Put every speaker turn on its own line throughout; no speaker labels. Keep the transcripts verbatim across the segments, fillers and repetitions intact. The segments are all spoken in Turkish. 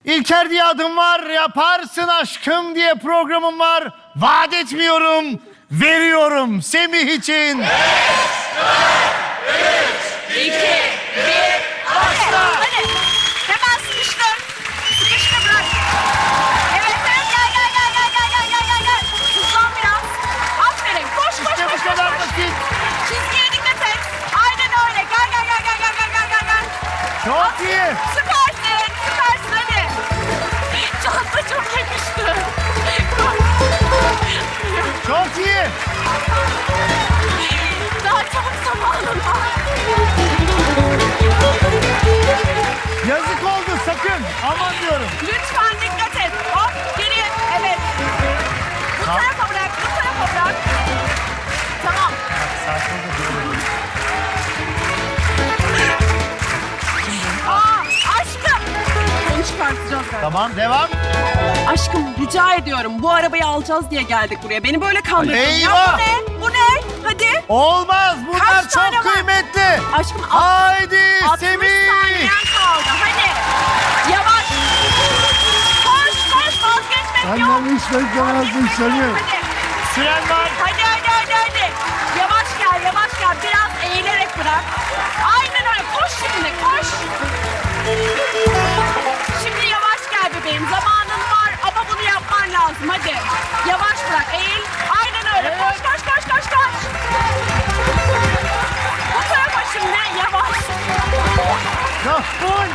İlker diye adım var, yaparsın aşkım diye programım var. Vaat etmiyorum, veriyorum Semih için.
beş, dört, üç, iki, bir, başla. Hadi. Hemen sıkıştır. Sıkıştır bırak. Evet, evet. Gel, gel, gel, gel, gel, gel, gel, gel, gel. Hızlan biraz. Aferin. Koş, koş,
İşte
koş,
bu
koş,
kadar
koş.
basit.
Çizgiye dikkat et. Aynen öyle. Gel, gel, gel, gel, gel, gel, gel, gel, gel.
Çok iyi.
Süpersin, süpersin hadi. Çanta çok yakıştı.
Çok iyi.
Daha çok zamanın var.
Yazık oldu sakın. Aman diyorum.
Lütfen dikkat et. Hop geriye. Evet. Bu
Tamam.
tarafa bırak, bu tarafa bırak. Tamam. Aa, aşkım. Onu çıkartacağız ben.
Tamam devam.
Aşkım rica ediyorum. Bu arabayı alacağız diye geldik buraya. Beni böyle kandırdın.
Eyvah!
Ya bu ne? Bu ne? Hadi.
Olmaz. Bunlar
Kaç tane
çok
var?
kıymetli.
Aşkım al.
Haydi
altmış
Semih.
saniyen kaldı. Hadi. Yavaş. Koş koş vazgeçmek yok.
Annem hiç beklemezdim seni.
Hadi.
Süren var.
Hadi hadi hadi hadi. Yavaş gel yavaş gel. Biraz eğilerek bırak. Aynen öyle. Koş şimdi koş. Şimdi yavaş gel bebeğim. Zamanın var ama bunu yapman lazım. Hadi. Yavaş bırak. Eğil. Aynen öyle. Koş koş koş koş koş. Bu tarafa şimdi yavaş.
Yok, full.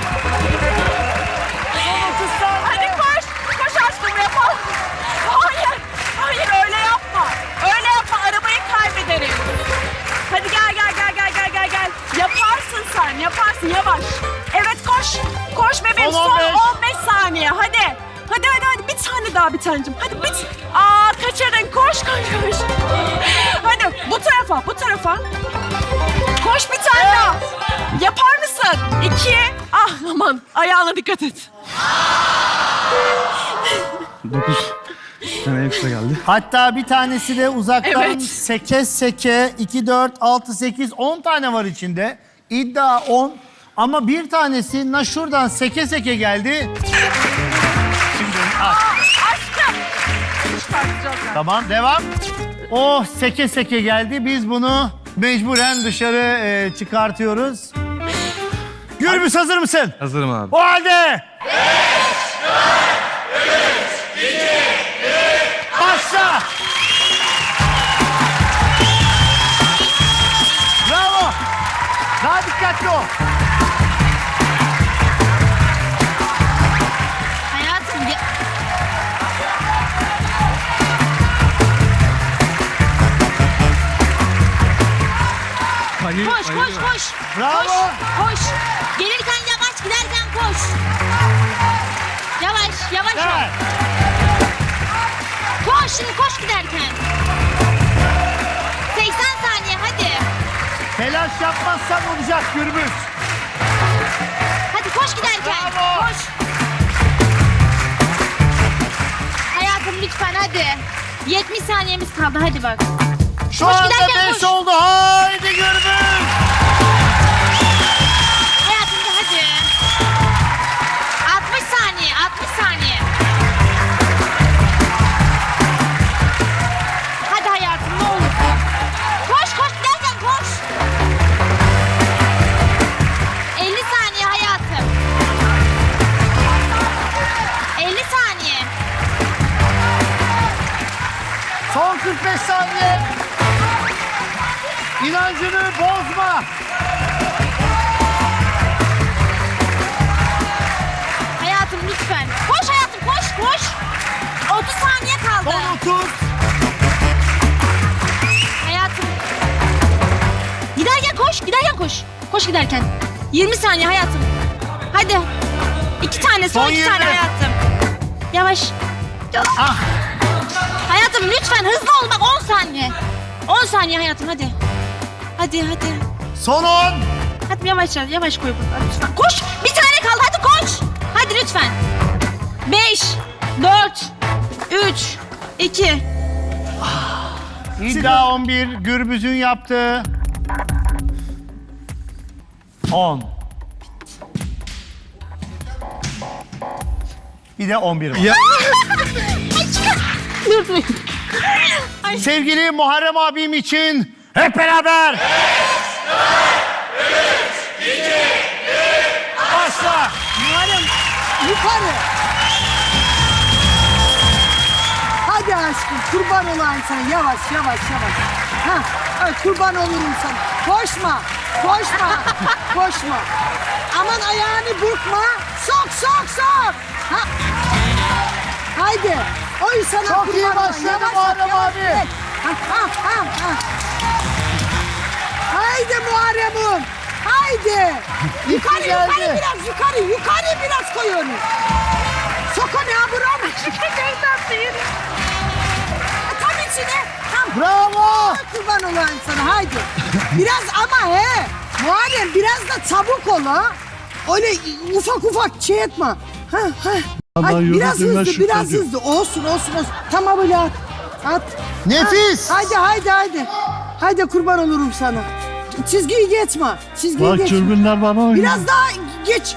Son otuz saniye.
Hadi koş. Koş aşkım yapalım. Hayır. Hayır öyle yapma. Öyle yapma. Arabayı kaybederim. Hadi gel gel gel gel gel gel gel. Yaparsın sen. Yaparsın. Yavaş. Evet koş. Koş bebeğim.
Son
Son
on beş.
on beş saniye. Hadi. Hadi hadi hadi. Bir tane daha bir tanecim. Hadi bit. Aa kaçırdın. Koş koş koş. Hadi bu tarafa. Bu tarafa. Koş bir tane daha. Yapar mısın? İki. Ah aman. Ayağına dikkat et.
dokuz tane ekstra geldi.
Hatta bir tanesi de uzaktan
Evet.
seke seke iki, dört, altı, sekiz, on tane var içinde. İddia on. Ama bir tanesi na şuradan seke seke geldi. Şimdi al.
Aşkım. Çıkartacağız ben.
Tamam devam. Oh seke seke geldi. Biz bunu mecburen dışarı e, çıkartıyoruz. Gürbüz hazır mısın?
Hazırım abi.
O halde. Başla. Bravo. Daha dikkatli ol.
Hayatım ya...
Hayır,
Koş koş koş.
Bravo.
Koş koş. Gelirken yavaş giderken koş. Yavaş yavaş ol.
Gel.
Koş şimdi koş giderken. seksen saniye hadi.
Telaş yapmazsan olacak Gürbüz.
Hadi koş giderken.
Bravo.
Koş. Hayatım lütfen hadi. yetmiş saniyemiz kaldı hadi bak.
Şu
Koş
anda
giderken
beş
koş.
oldu. Haydi Gürbüz.
Hayatım da hadi. altmış saniye altmış saniye. Hadi hayatım ne olur. Koş koş giderken koş. elli saniye hayatım. elli saniye.
Son kırk beş saniye. İnancını bozma.
Hayatım lütfen. Koş hayatım koş koş. otuz saniye kaldı.
Son otuz.
Hayatım. Giderken koş, giderken koş. Koş giderken. yirmi saniye hayatım. Hadi. İki tane, son,
Son
iki tane
yirmi.
hayatım. Yavaş.
Ah.
Hayatım lütfen hızlı ol bak on saniye. on saniye hayatım hadi. Hadi hadi.
Son on.
Hadi yavaş yavaş koy burada lütfen. Koş. Bir tane kaldı hadi koş. Hadi lütfen. Beş, dört, üç, iki.
İddia on bir. Gürbüz'ün yaptığı. on. Bir de on bir var.
Ya.
Dur dur.
Sevgili Muharrem abim için hep beraber. Başla.
Muharrem yukarı. Hadi aşkım kurban olayım sen yavaş yavaş yavaş. Ha, evet, kurban olurum sana. Koşma, koşma, koşma. Aman ayağını burkma. Sok sok sok. Ha. Haydi. Oy sana
Çok
kurban
iyi
olayım.
başladı
Yavaş,
Muharrem
yavaş,
abi.
yavaş. Ha, ha, ha, ha. Haydi Muharrem'im. Haydi. Yukarı
geldi.
yukarı biraz yukarı yukarı biraz koy onu. Sok onu ha buram. Tam içine. Tam.
Bravo.
Kurban olayım sana haydi. Biraz ama he. Muharrem biraz da çabuk ol ha. Öyle ufak ufak şey etme. Ha ha.
Ama
Haydi, biraz
yürüdüğüne
hızlı biraz
şükrediyor.
hızlı. Olsun olsun olsun. Tamam böyle at. At.
Nefis.
Ha, haydi haydi haydi. Haydi kurban olurum sana. Çizgiyi geçme. Çizgiyi
Bak
geçme.
çılgınlar bana oynuyor.
Biraz daha geç.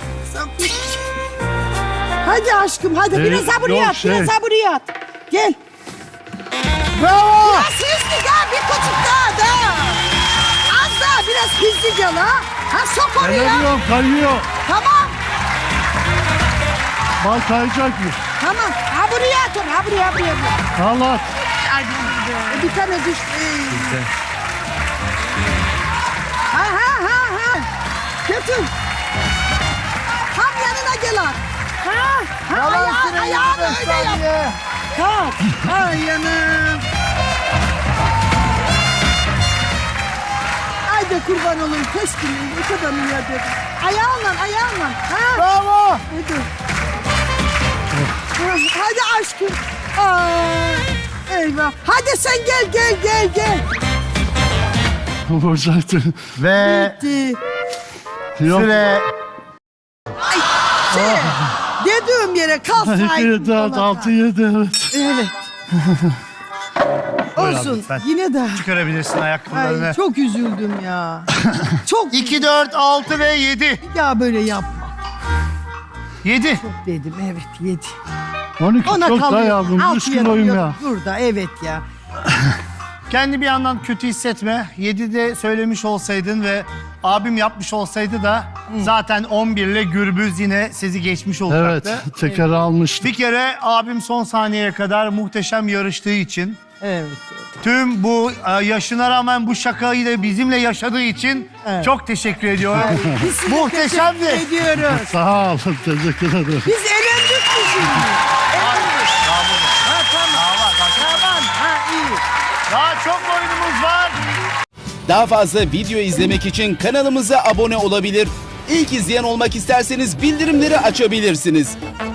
Hadi aşkım hadi
Ee,
biraz ha buraya
yok
at. Biraz
şey.
ha buraya at. Gel.
Bravo.
Biraz hızlı daha bir küçük daha daha. Az daha biraz hızlı gel ha. Ha sok oraya.
Kayıyor, kayıyor.
Tamam
Bak kayacakmış.
tamam. Ha buraya at onu ha buraya ha buraya. buraya.
Allah.
E, bir tane düş. Ee. Ha ha ha ha. Götür. Tam yanına gel at. Ha, ha
Yalan
ayağı,
süre
ayağını
yirmi beş
öyle yap.
saniye.
Kalk. Ay yanım. Haydi kurban olayım. Keşke ne kadar iyi dedim. Ayağınla ayağınla. Ha.
Bravo.
Hadi. Hadi aşkım. Aa, eyvah. Hadi sen gel gel gel gel.
Vuracaktı.
Ve
Bitti.
Yok.
süre
Ay, şey, dediğim yere
iki,
kalsaydın.
dört,
Polat
altı,
ha.
yedi, evet.
Evet. Olsun.
lütfen.
Yine de.
çıkarabilirsin ayakkabılarını.
Ay, çok üzüldüm ya. Çok
iki, dört, altı ve yedi.
ya böyle yapma
yedi.
dedim. Evet yedi.
on iki
Ona
çok daha
kalıyor.
yavrum.
Altı
Üç kiloyum
yanıyor
ya.
Burada evet ya.
Kendi bir yandan kötü hissetme. yedide söylemiş olsaydın ve abim yapmış olsaydı da zaten on bir ile Gürbüz yine sizi geçmiş
Evet.
olacaktı.
Teker almıştım.
Bir kere abim son saniyeye kadar muhteşem yarıştığı için,
Evet.
tüm bu e, yaşına rağmen bu şakayı da bizimle yaşadığı için
Evet.
çok teşekkür ediyorum.
Biz size
Muhteşemdi.
teşekkür ediyoruz.
Sağ ol. Teşekkür ederim.
Biz elendik mi şimdi? Ha tamam. Tamam. Ha iyi.
Daha çok oyunumuz var.
Daha fazla video izlemek için kanalımıza abone olabilir. İlk izleyen olmak isterseniz bildirimleri açabilirsiniz.